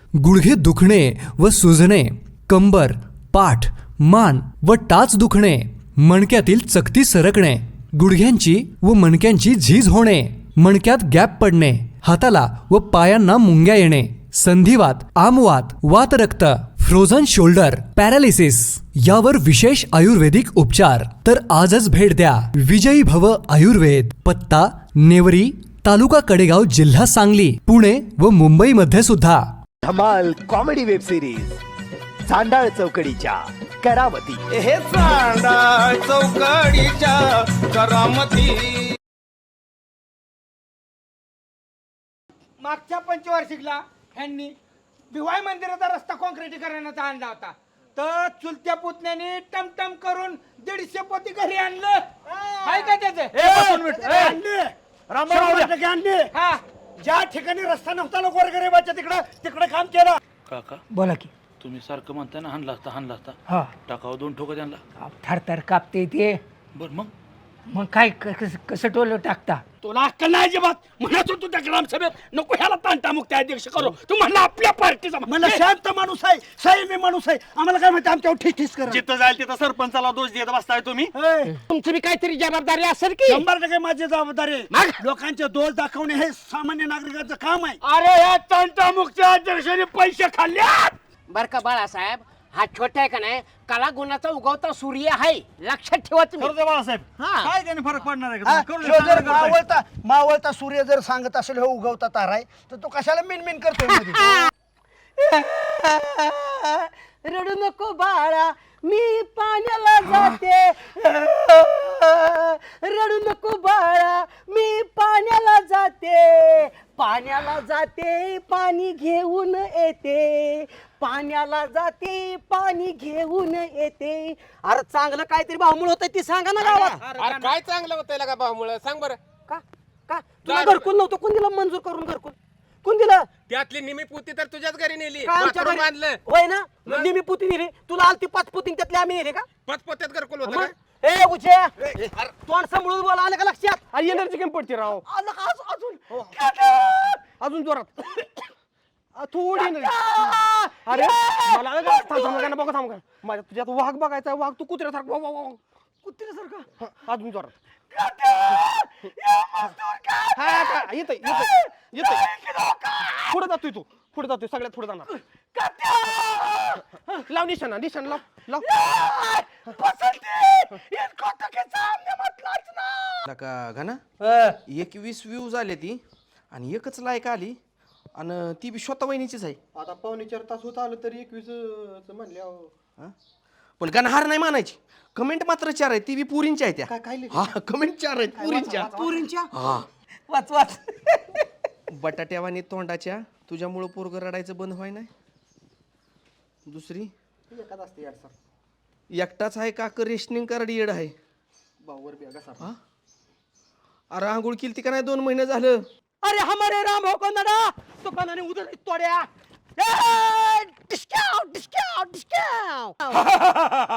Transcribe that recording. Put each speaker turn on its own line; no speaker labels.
गुडघे दुखणे व सुजणे, कंबर, पाठ, मान व टाच दुखणे, मणक्यातील चकती सरकणे, गुडघ्यांची व मणक्यांची झीज होणे, मणक्यात गॅप पडणे, हाताला व पायांना मुंग्या येणे, संधिवात, आमवात, वातरक्त, फ्रोझन शोल्डर, पॅरालिसिस यावर विशेष आयुर्वेदिक उपचार. तर आजच भेट द्या विजयी भव आयुर्वेद. पत्ता नेवरी, तालुका कडेगाव, जिल्हा सांगली, पुणे व मुंबई मध्ये सुद्धा.
धमाल कॉमेडी वेब सिरीज चांडाळ चौकडीच्या करामती.
हे चांडाळ चौकडीच्या करामती.
मागच्या पंचवार्षिकला ह्यांनी भिवाई मंदिराचा रस्ता कॉन्क्रिटीकरणाचा आणला होता, तर चुलत्या पुतण्याने टमटम करून 150 पोती घरी आणलं. आहे का त्याचं?
आणले.
हा,
ज्या ठिकाणी रस्ता नव्हता लोक गोरगरिबाच्या तिकडे काम केलं.
काका
बोला की.
तुम्ही सारखं म्हणताय ना हाणला असता
हा,
टाकावं 2 ठोकं त्यांना.
थरथर कापते ते.
बर
मग काय कसं टोलं टाकता?
तुला अक्कल नाही अजिबात. म्हणत होतो त्या ग्रामसभेत नको ह्याला तांटामुक्ती अध्यक्ष करू. तू म्हणला आपल्या पार्टीचा. मला शांत माणूस आहे, संयमी माणूस आहे. आम्हाला काय माहिती आमच्यावर ठिस करा.
जिथं जाईल तिथं सरपंचाला दोष देत बसताय तुम्ही.
तुमची बी काहीतरी जबाबदारी असेल की. 100% माझी जबाबदारी आहे. लोकांचे दोष दाखवणे हे सामान्य नागरिकाचं काम आहे. अरे या तांटामुक्ती अध्यक्षाने पैसे खाल्ल्यात.
बर का बाळासाहेब, हा छोटा आहे का नाही, कला गुणाचा उगवता सूर्य आहे, लक्षात ठेवा तुम्ही.
बाळासाहेब
हा.
काय त्याने फरक पडणार आहे
हा,
का? करू दे,
ह्यो जर
चांगलं करताय.
मावळता सूर्य जर सांगत असेल हो उगवता तारा आहे, तर तो कशाला मिनमिन करतोय मध्ये?
रडू नको बाळा, मी पाण्याला जाते. रडू नको बाळा, मी पाण्याला जाते. पाण्याला जाते, पाणी घेऊन येते. पाण्याला जाते, पाणी घेऊन येते. अरे चांगलं काहीतरी भावमुळ होतंय ती सांगा ना गावात.
अरे काय चांगलं होतंय का भावामुळे सांग बरं.
का का तुला घरकुल नव्हतं, कोण दिलं मंजूर करून घरकुल? कोण दिलं?
त्यातली निमी पोती तर तुझ्याच घरी नेली,
का आमच्या
बाथरूम
घरी?
बांधलं.
होय ना, निमी पुती नेली. तुला आलती 5 पुती, त्यातली आम्ही नेले का?
पचपोत्यात घरकुल होतं
मग?
का?
ए उचे, तोंड सांभाळून बोला, आलं का लक्षात?
एनर्जी कमी पडते राव.
आलं का अजून?
अजून जोरात थोडी अरे मला बघा थांब का माझ्या तुझ्यात वाघ बघायचा. वाघ तू कुत्र्यासारखा कुत्र्यासारखा अजून जोरात. येतोय पुढे जातोय तू, पुढे जातोय, सगळ्यात पुढे जाणार. लाव निशाणा लाव.
का घाना 21 व्ह्यूज आले ती आणि एकच लाईक आली आणि ती बी स्वतः वहिनीचीच आहे.
आता 4.25 तास होत आलं तरी 21 म्हणले.
पण गणहार नाही मानायची. कमेंट मात्र 4 आहे, ती बी पुरींच्या आहे त्या. हा कमेंट 4 आहेत पुरींच्या. हा
वाच
बटाट्यावानी तोंडाच्या तुझ्यामुळं पोरग रडायचं बंद व्हाय नाही. दुसरी एकटाच आहे का रेशनिंग कार्ड येड आहे. हा? अरे आंघोळ केली ती का नाही 2 महिने झालं.
अरे हमारे राम हो को नडा दुकानाने उधर तोड्या. डिस्काउंट.